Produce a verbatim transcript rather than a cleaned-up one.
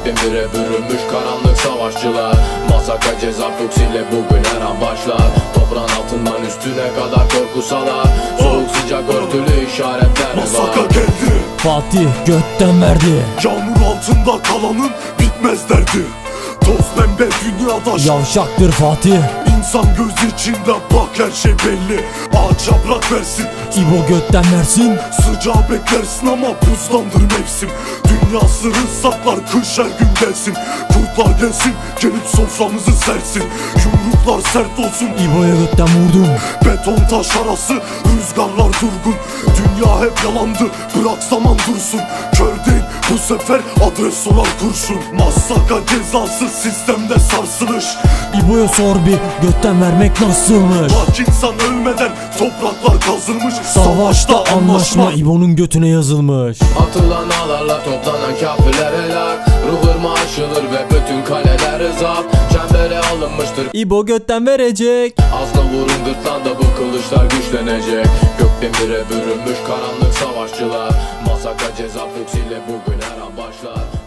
Gökdemire bürünmüş karanlık savaşçılar. Masaka ceza fuksiyle bugün her an başlar. Toprağın altından üstüne kadar korku salar. Soğuk sıcak örtülü işaretler var. Masaka geldi, Fatih götten verdi. yağmur altında kalanın bitmez derdi. Toz pembe dünyada Yavşaktır Fatih. İnsan göz içinde bak her şey belli. Ağaça bırak versin, İbo götten versin. sıcağı beklersin ama buzlandır mevsim. Dünya sırrı saklar, kış her gün gelsin. Kurtlar gelsin, gelip soframızı sersin. Yumruklar sert olsun, İbo'ya götten vurdum. beton taş arası, rüzgarlar durgun. Dünya hep yalandı, bırak zaman dursun. Kör değil bu sefer, adres sorar kurşun. Masaka cezası sistemde sarsılış. İbo'ya sor bir, götten vermek nasılmış? Bak insan ölmeden topraklar kazılmış. Savaşta anlaşma İbo'nun götüne yazılmış. Atılan ağlarla toplanan kafirler helak. Ruh ırmağı aşılır ve bütün kaleler zapt. Çembere alınmıştır, İbo götten verecek. asla vurun gırtlağında bu kılıçlar güçlenecek. Gökdemire bürünmüş karanlık savaşçılar. Masaka ceza fuksiyle bugün her an başlar.